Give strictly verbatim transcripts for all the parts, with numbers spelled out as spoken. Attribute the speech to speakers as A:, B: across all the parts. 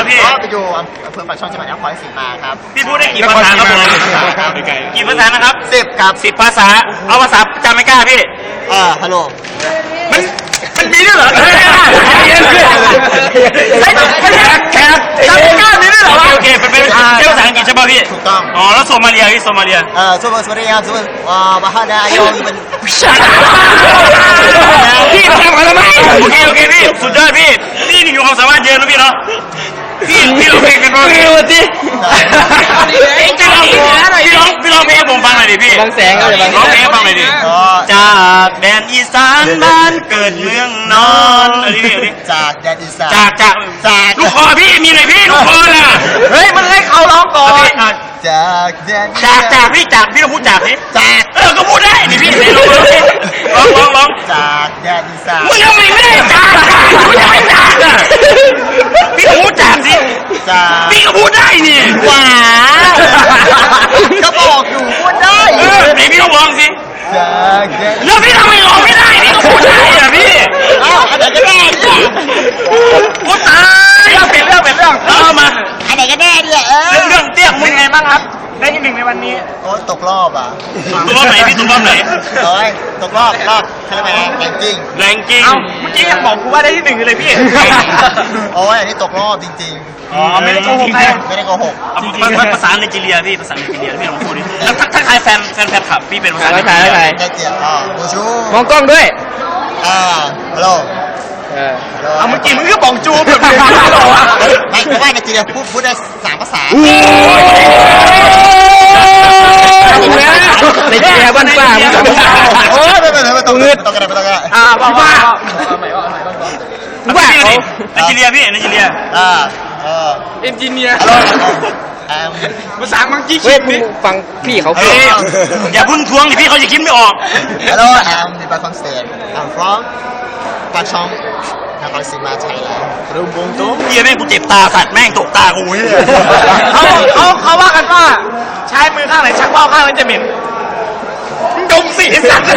A: ครับพี่
B: ไปอยู่อำเภอปากช่องจังหวัดนครศรีมาครับ
A: พี่พูดได้กี่ภาษาครับผมกี่ภาษานะครับ
B: สิบครับ
A: สิบภาษาเอาภาษาจำไม่กล้าพี่
B: เออฮัลโหล
A: มันมันมีด้วยเหรอใช่แขกจำไม่กล้ามีด้วยเหรอโอเคเป็นเป็นภาษาอังกฤษใช่ป่ะพี่
B: ถูกต้อง
A: อ๋อแล้วโซมาเลียพี่โซมาเลีย
B: เออโซมาโซมาเลียโซมาอ่าบาฮาดายองเป็น
A: พี่ทำอะไรไหมโอเคโอเคพี่สุดยอดพี่พี่นี่มีความสามารถเยอะนะพี่เนาะพี่พี่ร้องเพลงกันบ้างพี่วันที่พี่ร้องพี่ร้องพี่ร้องเพลงให้ผมฟังหน่อยดิพี่
C: บางแสงก็เลยบาง
A: ร้องเพลงให้ฟังหน่อยดิจากแดนอีสานบ้านเกิดเมืองนอนอะไรนี่
B: จากแดนอีสาน
A: จากจาก
B: จาก
A: ลูกคอพี่มีหน่อยพี่ลูกคอน่ะ
C: เฮ้ยมันให้เขาร้องก่อน
B: จากแดน
A: จากจากพี่จากพี่ต้องพูดจากนี่
B: จาก
A: เออก็พูดได้นี่พี่ร้องร้องร้อง
B: จากแดนอีสาน
A: มึงทำไมไม่ได้จากมึงทำไมจากอ่ะพี่ต้องพูดจากสิพี่ก็พูดได้นี่
B: ว้าก็บอกอยู่พูดได้
A: เออไหนพี่ต้องลองสิ
B: จากแดน
A: แล้วพี่ทำไมร้องไม่ได้พี่ก็พูดได้อ่ะพี่
B: อ้าวอันไหนก็ได้เนี่ย
A: พูดตายเปลี่ยนเรื่องเปลี่ยนเรื่องเอามา
B: อันไหนก็ได้เนี่ยเออ
A: เรื่องเตี้ยมึงไงบ้างครับได้ที่หนึ่งในวันนี้
B: โอ้ตกรอบอ่ะ
A: ตกรอบไหนพี่ตกรอบไหน
B: โอ้ยตกรอบรอบเขาเรียกว่าแรงกิ้ง
A: แรงกิ้งเมื่อกี้ยังบอกกูว่าได้ที่หนึ่งเลยพี่
B: โอ้ยอันนี้ตกรอบจริง
A: ๆอ๋อไม่ได้โกหก
B: ไม่ได้โกหก
A: ภาษาไนจีเรียพี่ภาษาไนจีเรียพี่ลองพูดดิแล้วทักทายแฟนแฟนแฟนคลับพี่เป็นภาษาไนจีเรีย
B: ได้เจียบอ๋อบูชู
C: มองกล้องด้วย
B: อ่าฮัลโหล
A: เอาเมื่อกี้มึงก็บอกจูแบบนี้
B: ไม่เพราะว่าไนจีเรียพูดพูดได้สามภาษา
C: ในเจียบ้านป่ามึง
B: โอ้ยไม่เป็นไรไม่ต้องเงืดต้องกันไม่ต้องกัน
C: อ่าบ้าบ้า
A: บ้าไนจีเรียพี่ไนจีเรีย
B: อ่าเออ
C: เอนจิเนียร์ภาษามังกี้คิดนี่ฟังพี่เขาพูด
A: อย่าพึ่งทวงดิพี่เขาจะคิดไม่ออก
B: Hello I'm the Bacon State I'm from ปากช่องนครศรีมาไทยแล้ว
A: รุมวงโต๊ะเฮียแม่งกูเจ็บตาสัตว์แม่งตกตากูเฮีย
C: เขาเขาเขาว่ากันว่าใช้มือข้างไหนชักว่าวข้างนั้นจะเหม็น
A: ดมสีสัตว์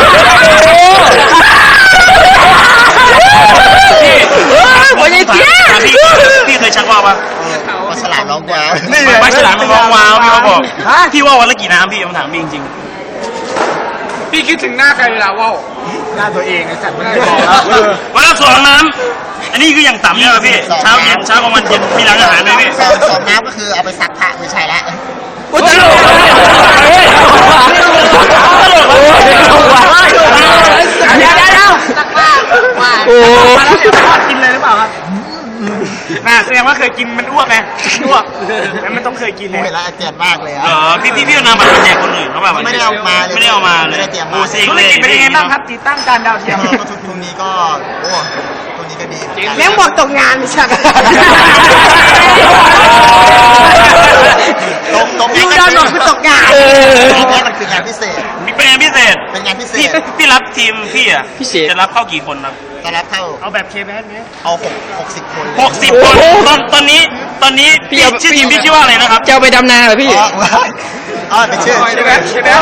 A: พี่
C: โอ้ยเจี๊ย
A: พี่พี่เคยชักว่าวปะ
B: ปลาฉลามร้องว้าว
A: นี่ปลาฉลามร้องว้าวพี่เขาบอกพี่ว่าวันละกี่น้ำพี่ผมถามพี่จริง
C: ๆพี่คิดถึงหน้าใครเวลาว่าว
B: หน้าตัวเองไอ้สัตว์ไม่ได้บ
A: อกวันละสองน้ำอันนี้คืออย่างต่ำเนี่ยพี่เช้าเย็นเช้ากลางวันเย็นมีร้านอาหารเลยพี่
B: สองน้ำก็คือเอาไปซักผ้าไม่ใช่ละ
C: โอ้ยตลกตลกเดี๋ยวเดี๋ยวซักผ้าว่าโอ้กินเลยหรือเปล่าครับน่าแสดงว่าเคยกินมันอ้วกไงอ้วกแล้วมันต้องเคยกินเลย
B: เวลาเจ็บมากเลยอ่ะ
A: เออพี่พี่พี่นำบัตรแจกคนอื่นเขาแบบ
B: ไม่ได้เอามาเลย
A: ไม่ได้เอามาเลย
B: ไม่ได้เตรียม
A: มา
C: ธุรกิจเป็นยังไงบ้างครับติดตั้งจานดาวเทียม
B: ก็ทุกทุกนี้ก็โอ้ทุกนี้ก็ดี
C: เลี้ยงบอกตกงานใช่ไหม
B: ตกตก
C: ยูดอนบอกคือตกงาน
B: นี่มันคืองานพิเศษ
A: เป็นงานพิเศษ
B: เป็นงานพิเศษ
A: พี่รับทีมพี่อ่ะจะรับเข้ากี่คนครับ
B: จะรับเข้า
C: เอาแบบเคแบนไหม
B: เอาหกหกสิบคน
A: หกสิบคนตอนตอนนี้ตอนนี้พี่ชื่อทีมพี่ชื่อว่าอะไรนะครับ
C: จะเอาไปดำนาเหรอพี่
B: อ๋อเป็นชื่อ
C: ใช่ไหมใช่ไหม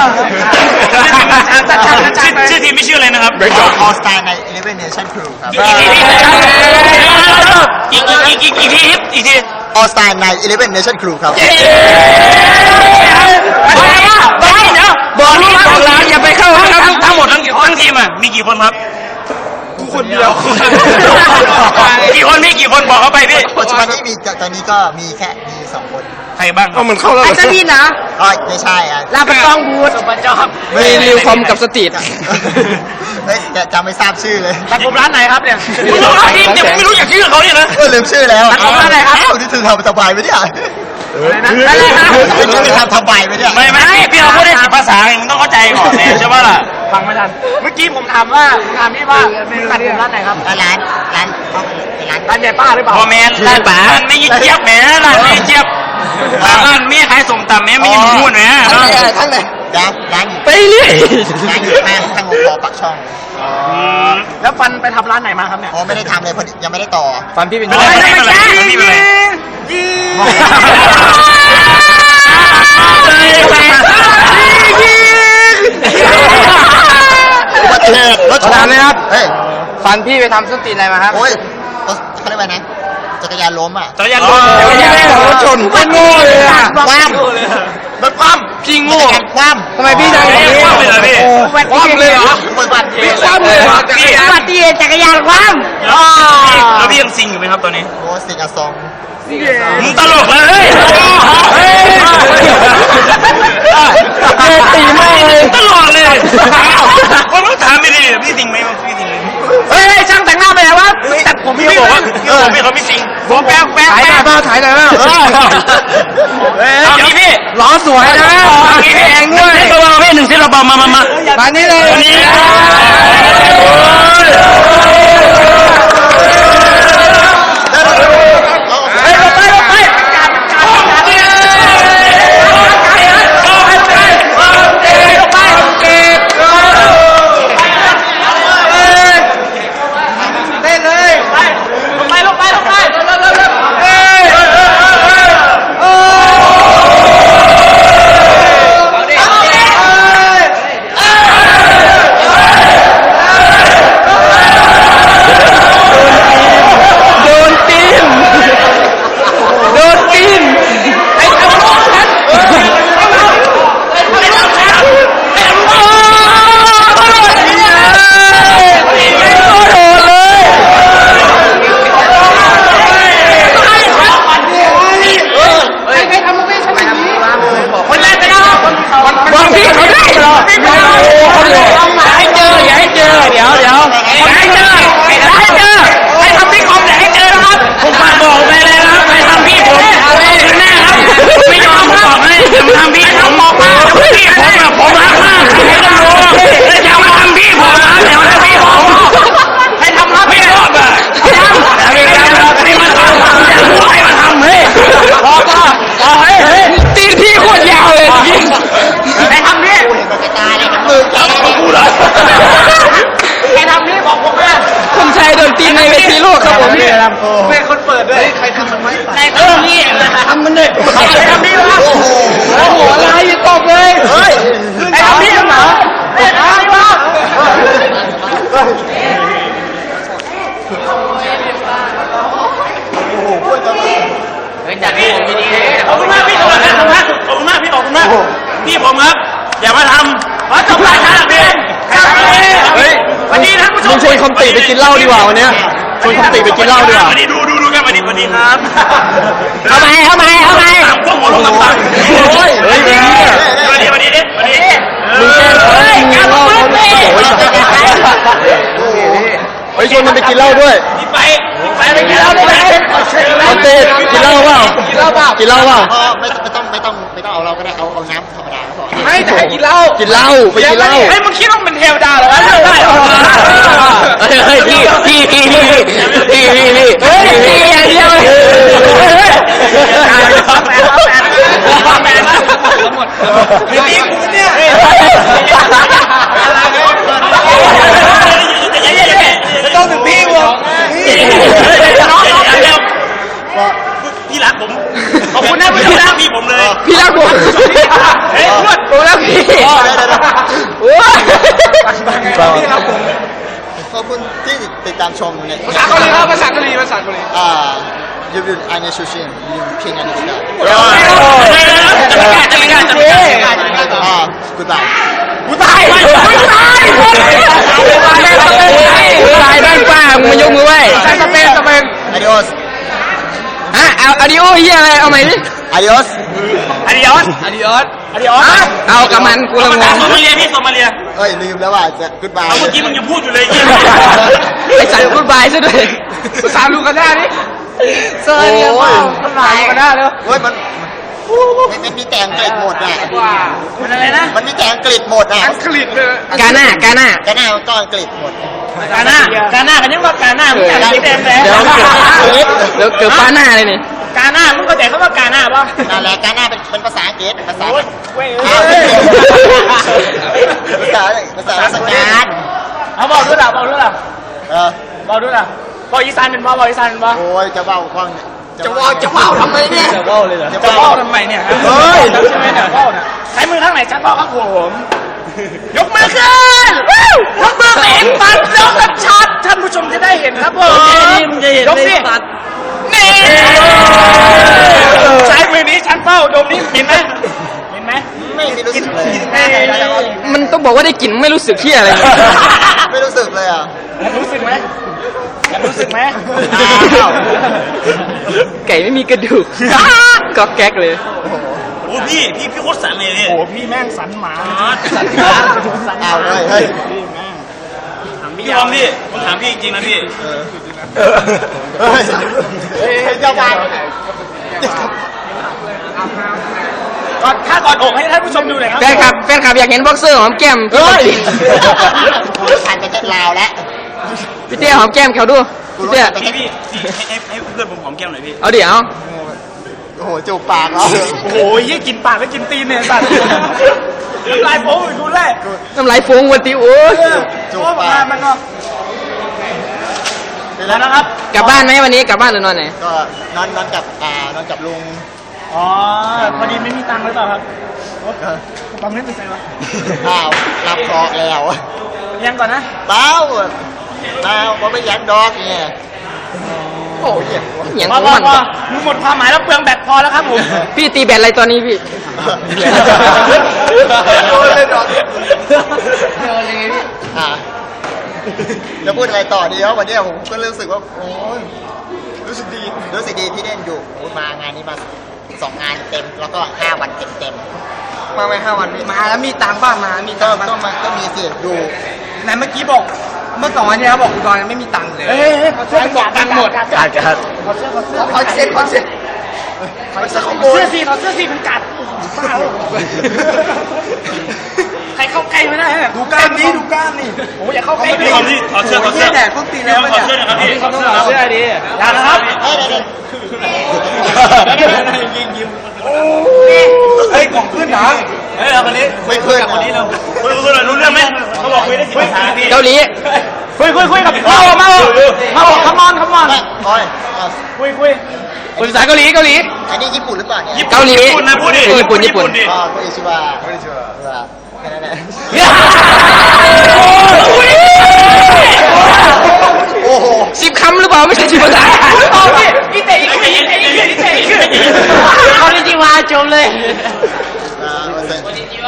A: ชื่อทีมพี่ชื่ออะไรนะครับ
B: All Star ใน Eleven Nation Crew ครับ
A: อีกอีกอีกอีกทีอีกที
B: All Star ใน Eleven Nation Crew ครับ
C: บอกลูกบอกหลานอย่าไปเข้าทั้ง
A: ทั้งหมดทั้งทั้งทีมอ่ะมีกี่คนครับ
C: กูคนเดียว
A: กี่คนพี่กี่คนบอกเขาไปพี่
B: ปัจจุบันนี้มีตอนนี้ก็มีแค่มีสองคน
A: ใครบ้าง
C: ก็มันเข้าแล้วอาจจะพี่นะ
B: อ๋อไม่ใช่อ่ะ
C: ลาบะตองบูดสมบัติจอมมีนิวคอมกับสตรีท
B: เฮ้ยจำไม่ทราบชื่อเลย
C: ตัดผมร้านไหนครับเนี่ย
A: ไม่รู้ทีมเนี่ยไม่รู้อยากชื่อเขาเนี่ยนะ
B: ก็ลืมชื่อแล้ว
C: ตัดผมร้านไหนครับ
B: นี่ถึงทำสบายไหมเนี่ย
C: อะไรนะ
B: ไม่รู้จะทำสบายไหมเนี่ย
A: ไม่ไม่พี่เราพูดได้สิบภาษามึงต้องเข้าใจก่อนเนี่ยใช่ป่ะล่ะ
C: ฟังไม่ทันเมื่อกี้ผมถามว่าถามพี่ว่าตัดผมร้านไหนครับ
B: ร้านร้าน
C: ร้านร้านใหญ่ป้าหรือเปล่า
A: พอแมนร้านป๋าไม่ยิ่งเจี๊ยบแหมร้านไม่เจี๊ยบร้านเมียขายส่งต่ำแม่ไม่ยิ่งพูดแหม
B: ทั้งเลยร้านร้านอยู่
C: ไปเรื่อย
B: ร้านอยู่ข้างข้างหัวปากช่อง
C: แล้วฟันไปทำร้านไหนมาครับเนี่ย
B: อ๋อไม่ได้ทำเลยพอดียังไม่ได้ต่อ
C: ฟันพี่เป็น
A: อะไรไม่เป็นไรพี่เป็นไร
B: อุบัติเหตุรถชน
C: เลยครับ
B: เฮ้ย
C: ฟันพี่ไปทำส้นตีนอะไรมาครับ
B: โอ้ยเขาเรียกว่าไงจักรยานล้มอ่ะ
A: จักรยานล้ม
D: จักรยานของรถชนโคตรโง่เลยอ่ะ
B: คว่ำ
A: รถคว่ำ
D: พี่
B: จั
D: โง่
B: กรยานคว่ำ
D: ทำไมพี่ดังอย่างนี้
A: คว่ำเลยเหรอพี่
D: โอ้คว่ำเลยเหรอ
B: อุบัติเห
D: พี่
B: ตุ
D: คว่ำเลยเหรอ
A: พี่
D: อุบัติเหตุจักรยานคว่ำ
A: แล้วพี่ยังซิงอยู่ไหมครับตอนนี้
B: โอ้สิงห์ซอง
A: มึงตลกเลยเฮ้ย
D: เฮ้ยเฮ้ยตีมากเลย
A: ตลอดเลยผมต้องถามไม่ดีพี่ซิงไหมพี่ซิงไหม
D: เฮ้ยช่างแต่งหน้าไปไหนวะตัดผม
A: พี่
D: พี่
A: เขา
D: บบ อ
A: อก ก
D: ว่า
A: ว่าพี่บอกพี่เขาไม่ซิง
D: ผมแป๊บแป๊บถ่ายหน่อยเปล่าถ่ายหน่อยเปล่า
A: เอางี้พี่
D: ล้อสวยนะแพงด้วย
A: เบาๆพี่หนึ่งเส้นเบาๆมามามา
D: มานี่เลย
A: วันนี้เฮ้ยลงไปลงไป
D: เต้นเลยลงไปลงไปลงไปเร็วเร็วเร็วเร็วเฮ้ยโอ้โดนตีนโดนตีนไอ้ทำลูกฉันไอ้ทำลูกฉันไอ้ทำลูกฉันไอ้โอ้โหเลยใครทำมึงไม่ใช่แบบนี้คนแรกไปแล้วบอกพี่เขาได้เหรออย่าให้เจออย่าให้เจอเดี๋ยวเดี๋ยวอย่าให้เจออย่าให้เจอใครทำพี่คอมอย่าให้เจอนะครับผมฝากบอกไปเลยนะครับใครทำพี่ผมเอาถึงแน่ครับไม่ยอมผมบอกให้ผมทำพี่ผมบอกมาพี่ผมแบบผมรักมากให้ต้องรู้แล้วจะมาทำพี่ผมนะเดี๋ยวทำพี่ผมให้ทำรับไม่รอดอ่ะทำแต่ไม่ได้ให้มันทำอย่ารู้ให้มันทำเฮ้ยพอพอพอเฮ้ยเฮ้ยตีนพี่โคตรยาวเลยจริงใครทำพี่
B: กระจายเลยครับมือแกเลย
A: กูเหรอ
D: ใครทำพี่บอกผมนะคุณชัยโดนตีในเวทีโลกครับผมพี่เป็นคนเปิดด้วยใครทำมันไหมใครทำพี่ทำมันเลยใครทำพี่วะ
B: โอ้โห
D: โอ้โหอะไรอย่าตบเลย
B: เฮ้ย
D: ใครทำพี่เหรอใครทำพี่วะ
A: ขอบคุณมากพี่ขอบคุณมากขอบคุณมากพี่ขอบคุณมากพี่ผมครับอย่ามาทำมาจบรายการพี่เฮ้ยวันนี้ท่านผู้ชม
D: มึงชวนคอมติไปกินเหล้าดีกว่าวันเนี้ยชวนคอมติไปกินเหล้าดีกว่า
A: วันนี้ดูดูดูกันวันนี้วันนี้ครับ
D: เอาไหมเอาไหมเอาไหม
A: ตามพวกหัวลงต่างๆ
D: โอ้ยเฮ้ย
A: วันนี้วันนี้ดิวันนี้
D: มึงแกล้งเขาให้กินเหล้าเขาโอ้ยเฮ้ยชวนมันไปกินเหล้าด้วย
A: พี่ไปไปไปกินเหล้าด้วย
D: คอมติกินเหล้าเปล่ากินเหล้าเปล่ากินเหล้าเปล่า
B: พอไม่ไม่ต้องไม่ต้องไม่ต้องเอาเราก็ได้เอาเอาน้ำธรรมดาก็พอ
D: ไม่แต่ให้กินเหล้ากินเหล้าไปกินเหล้า
C: เฮ้ยมึงคิดว่ามันเทวดาเหรอวะได้เหรอ
D: เฮ้ยพี่พี่พี่พี่พี่พี่พี่เฮ้ยพี่อย่างเดียวเลย
A: ไม่ตีกูเนี่ยต้องถึงพี่วะน้องน้องเร็วพี่รักผมขอบคุณนะพี่รักพี่ผมเลย
D: พี่รักผม
A: เฮ้ยพูด
D: ผมรักพี่โอ้ย
B: ขอบคุณที่ติดตามชมใน
D: ภาษาเกาหลีครับภาษาเกาหลีภาษาเกาหลี
B: อ่ายูบินอันนี้ชูชินยูเพียงอันนี้ได้
A: จะไม่กล้าจะไม่กล้าจะไม่กล้า
B: อ่า goodbye
D: กูตายกูตายกูตายตายบ้านป้ามึงมายกมือไหว้สเปนสเปน
B: adios
D: ฮะเอาอาดิโอเฮียอะไรเอาใหม่ดิ
B: adios
A: อาดิออส
D: อาดิโอส
A: อาดิออส
D: เอากับมันกูละง
A: ภาง ษาโซมาเลียพี่โซมาเลีย
B: เอ้ยลืมแล้วว่าจะ goodbye
A: เอาเมื่อกี้มึงยังพูดอยู่เลย
D: ไอสัตว์กูบายซะด้วยภาษาลูกาด้าดิเซอร์เรียว่าภาษาลูกาด้าเร็ว
B: เฮ้ยมันมันมันมีแต่อังกฤษหมดอ่ะ
A: มันอะไรนะ
B: มันมีแต่อังกฤษหมดอ่ะ
D: อังกฤษเลยกาหน้ากาหน้า
B: ก็หน้ามันก็อังกฤษหมด
A: กาหน้ากาหน้ากันยังว่ากาหน้ามึงอยากคิดแดงแดง
D: เดี๋ยวเดี๋ยวเกือบป้าหน้าเลยนี่
A: กาหน้ามึงเข้าใจคำว่ากาหน้าป่ะ
B: นั่นแหละก็หน้าเป็นเป็นภาษาอังกฤษภาษา
A: โอ้ยเว้ย
B: อ้าว
A: เอ้ย
B: ภาษาภาษาราชการ
A: เอาบอกด้วยล่ะบอกด้วยล่ะ
B: เออ
A: บอกด้วยล่ะบอกอีสานเป็นบ่บอกอีสานเป็นบ่
B: โอ้ยจะเบ้าคว่างเนี่ย
D: จะว่าจะว่าทำไมเนี่ยจะว่าเลยเหรอ
B: จะ
A: จะ
B: เบ้า
A: บอกทำไมเนี่ย
B: เฮ้ย
A: ใช่ไหมเนี่ยบอกเนี่ยใช้มือข้างไหนชัดบอกครับผมยกมือขึ้นยกมือเห็นปัดยกชัดท่านผู้ชมจะได้เห็นครับผม
D: มึงจะเห็น
A: ยกสิ
D: ตัด
A: นี่
C: ใช้มือนี้ชั้นเป้าดมนี้เห็นไหมเห็นไหม
B: ไม่ได้รู้สึกเลย
D: มันต้องบอกว่าได้กลิ่นไม่รู้สึกที่อะไร
B: ไม่รู้สึกเลยอ่ะ
C: รู้สึกไหมรู้สึกไหม
D: ไก่ไม่มีกระดูกก็แก๊กเลย
A: โอ้พี่พี่พี่โคตรสันเลยพี่
C: โอ้พี่แม่งสันหมา
A: สัน
B: เอาเลยเฮ้ย
A: พี่บอมพี่ผมถามพี่จริงๆนะพี่
B: เฮ้ยเฮ้ยเจ้าบ้าน
C: ก่อนถ้าก่อนอกให้ท่านผู้ชมดูหน่อยครับ
D: แฟนคลับแฟนคลับอยากเห็นบ็อกเซอร์หอมแก้ม
B: เฮ้ยผ่านไปจะลาวแล้ว
D: พี่เตี้ยหอมแก้มเขาดูพี่เตี้ย
A: พี่พี่พี่ให้ให้ให้เพื่อนผมหอมแก้มหน่อยพี่
D: เอาเดี๋ยว
B: โอ้โหจูบปากแล้ว
C: โอ้โหยี่กินปากแล้วกินตีนเนี่ยสัตว์ลายโป๊ะดูแรก
D: น้ำลายฟงวันตีโอ้ย
B: จู
C: โป๊ะ
B: บ
C: มา
B: ปาก
C: มันก็เสร็จแล้วนะครับ
D: กลับบ้านไหมวันนี้กลับบ้านหรือนอนไหน
B: ก็นอนนอนกับอ่านอนกับลุง
C: อ๋อพอดีไม่มีตังค์หรือเปล่าครับตังค์ไม่เป็นไรวะ
B: อ้าวรับเคราะห์แล้ว
C: ยังก่อนนะ
B: เต้าเต้าเพราะไม่ยักดอกเนี่ยโอ้ยเจ็บ
D: อย่าง
C: พ
D: ข
C: อ
D: อง
C: พอ
D: มัน
C: พอมึงหมดความหมายแล้วเปลืองแบตพอแล้วครับผม
D: พี่ตีแบตอะไรตอนนี้พี่
B: โดนเลยดอกอ่ะจะพูดอะไรต่อดีครับวันนี้ผมก็รู้สึกว่าโอ้ยรู้สึกดีรู้สึกดีที่ได้อยู่โอ้ยมางานนี้มาสองงานเต็มแล้วก็ห้าวันเต็มเต็มๆมาไม่ห้าวันมาแล้วมีตังค์บ้างมามีก็ก็มาก็มีสิดู
C: ไหนเมื่อกี้บอกเมื่อสองวันที่แล้วบอกอุดรไม่มีตังค์เลยเฮ้ยเขาเสื้อบอกตังค์หมด
B: กัดกัด
C: เขาเสื้อเขาเสื้อ
B: เขาเซ็ตเขาเซ็ตเขาเซ็ตขโมย
C: เสื้อสีเขาเสื้อสีมันกัดบ้าใครเข้าใกล้ไม่ได้ดูกล้ามนี้ดูกล้ามนี่โอ้อย่าเข้าใกล้
A: พี่บอมพี่ถอดเสื้อถอดเสื้อ
B: แดดพวกตี
A: พี่
B: แล้ว
A: บอมถอดเสื้อหนะครับพี่ถอดเสื้อ
C: เสื้อดีอย่านะครับ
A: ยิงยิ้ม
C: เฮ้ยของขึ้นเหรอ
A: เฮ้ยเอาคนนี้
B: ไม่เคย
A: คนนี้เราคุยคุยหน่อยรู้เรื่องไหมเขาบอกคุยได้สิบนาที
D: เกาหลี
C: คุยคุยคุยกับเมาเมาเมาขมอนขมอน
B: โอ้ย
C: คุยคุย
D: ภาษาเกาหลีเกาหลี
B: อันนี้ญี่ปุ่นหรือเปล่าเนี่ย
D: เกาหลี
A: ญี่ปุ่นนะพูดดิ
D: ญี่ปุ่นญี่ปุ่น
A: ดิ
B: อ๋อคุยชิวะคุยชิวะแค่นั้นแหละโอ้โห
D: สิบคำหรือเปล่าไม่ใช่สิบภาษา
C: เอาพี่อีเตะอีเตะอีเตะอีเตะอีเตะอีเตะ
D: เขาได้จีวาจมเลย
B: อ่ามาเซ็น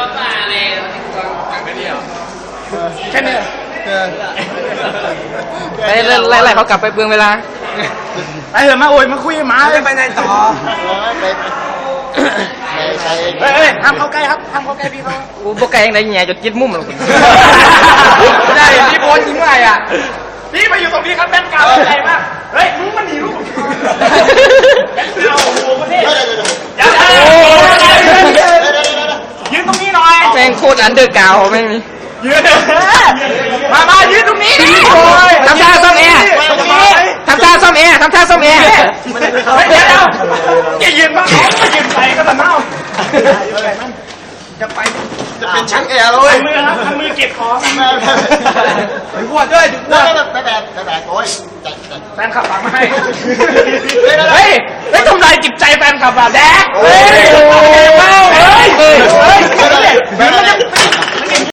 C: แค่นี้
B: เออ
D: ไปไล่ไล่เขากลับไปเปลืองเวลา
C: ไปเถอะมาโอยมาคุยหมาไปไหนต่อ
B: ไปไปใช้
C: เฮ้ยห้ามเข้าใกล้ครับห้ามเข้าใกล้พี่เขา
D: โอ้พวกไก่ยังไงแง่จดยึดมุมหรอก
C: ได้พี่โพสยิงไงอ่ะพี่มาอยู่ตรงนี้ครับแบงค์กาวใจมากเฮ้ยมึงมันหนีลูกแบงค์กาวโอ้โหประเทศอย่ายืนตรงนี้หน่อย
D: แม่งโคตรอันเดอร์กราวด์แม่งนี่
C: ยืนมามายืนตรงนี้
D: ทำท่าซ่อมแอร์ทำท่าซ่อมแอร์ทำท่าซ่อมแอร์
C: เดี๋ยวอย่ายืนมาเขาจะยืนไปก็จะเน่าจะไป
B: จะเป็นช่างแอร์เล
C: ท
B: ย
C: ำมือครับทำมือเก็บของ
B: ไปพวดด้วยพวดแบบแบบแบบแบบโอ้ยใจใจ
C: แฟนขับฝากมาให้เฮ้ยเฮ้ยทำลายจิตใจแฟนขับอ่ะแดก
B: เฮ้ย
C: เฮ้ยเฮ้ย